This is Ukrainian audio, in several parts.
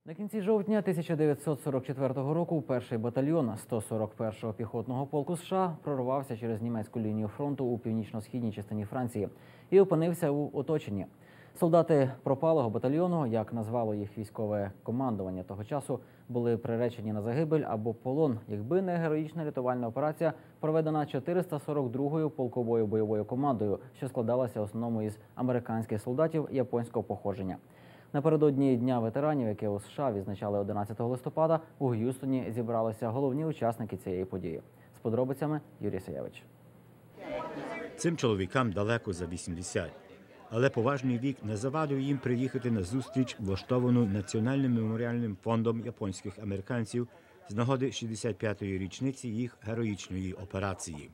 На кінці жовтня 1944 року перший батальйон 141-го піхотного полку США прорвався через німецьку лінію фронту у північно-східній частині Франції і опинився у оточенні. Солдати пропалого батальйону, як назвало їх військове командування того часу, були приречені на загибель або полон, якби не героїчна рятувальна операція, проведена 442-ю полковою бойовою командою, що складалася в основному із американських солдатів японського походження. Напередодні Дня ветеранів, яке у США відзначали 11 листопада, у Г'юстоні зібралися головні учасники цієї події. З подробицями Юрій Саєвич. Цим чоловікам далеко за 80. Але поважний вік не завадив їм приїхати на зустріч, влаштовану Національним меморіальним фондом японських американців з нагоди 65-ї річниці їх героїчної операції.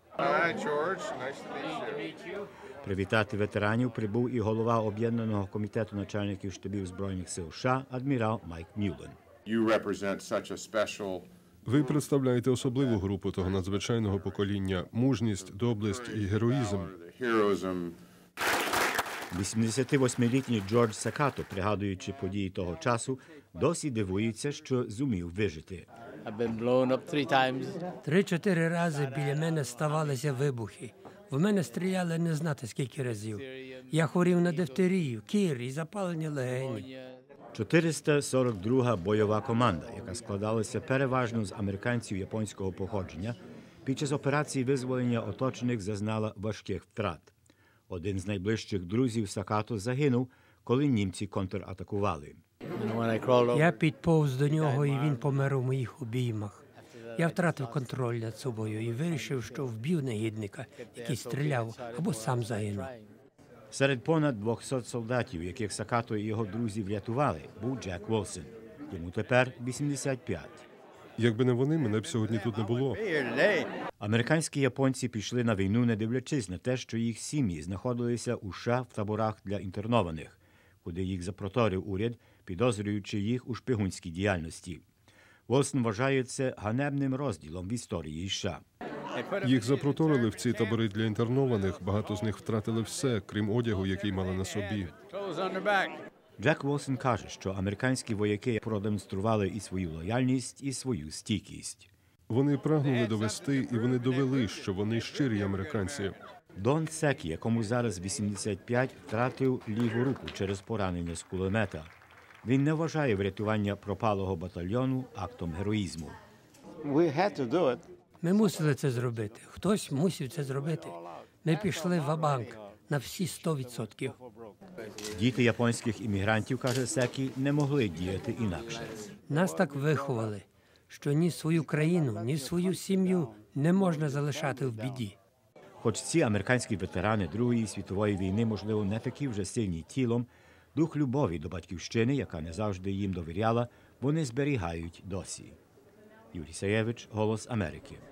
Привітати ветеранів прибув і голова Об'єднаного комітету начальників штабів Збройних сил США адмірал Майк Мюллен. Ви представляєте особливу групу того надзвичайного покоління – мужність, доблесть і героїзм. 88-літній Джордж Сакато, пригадуючи події того часу, досі дивується, що зумів вижити. 3-4 рази біля мене ставалися вибухи. В мене стріляли не знати скільки разів. Я хворів на дифтерію, кір і запалення легенів. 442-га бойова команда, яка складалася переважно з американців японського походження, під час операції визволення оточених зазнала важких втрат. Один з найближчих друзів Сакато загинув, коли німці контратакували. Я підповз до нього, і він помер у моїх обіймах. Я втратив контроль над собою і вирішив, що вб'ю негідника, який стріляв, або сам загинув. Серед понад 200 солдатів, яких Сакато і його друзі врятували, був Джек Волсон. Йому тепер 85. Якби не вони, мене б сьогодні тут не було. Американські японці пішли на війну, не дивлячись на те, що їх сім'ї знаходилися у США в таборах для інтернованих, куди їх запроторив уряд, підозрюючи їх у шпигунській діяльності. Волсон вважає це ганебним розділом в історії США. Їх запроторили в ці табори для інтернованих, багато з них втратили все, крім одягу, який мали на собі. Джек Волсон каже, що американські вояки продемонстрували і свою лояльність, і свою стійкість. Вони прагнули довести, і вони довели, що вони щирі американці. Дон Секі, якому зараз 85, втратив ліву руку через поранення з кулемета. Він не вважає врятування пропалого батальйону актом героїзму. Ми мусили це зробити. Хтось мусив це зробити. Ми пішли ва-банк на всі 100%. Діти японських іммігрантів, каже Секі, не могли діяти інакше. Нас так виховали, що ні свою країну, ні свою сім'ю не можна залишати в біді. Хоч ці американські ветерани Другої світової війни, можливо, не такі вже сильні тілом, дух любові до батьківщини, яка не завжди їм довіряла, вони зберігають досі. Юрій Саєвич, Голос Америки.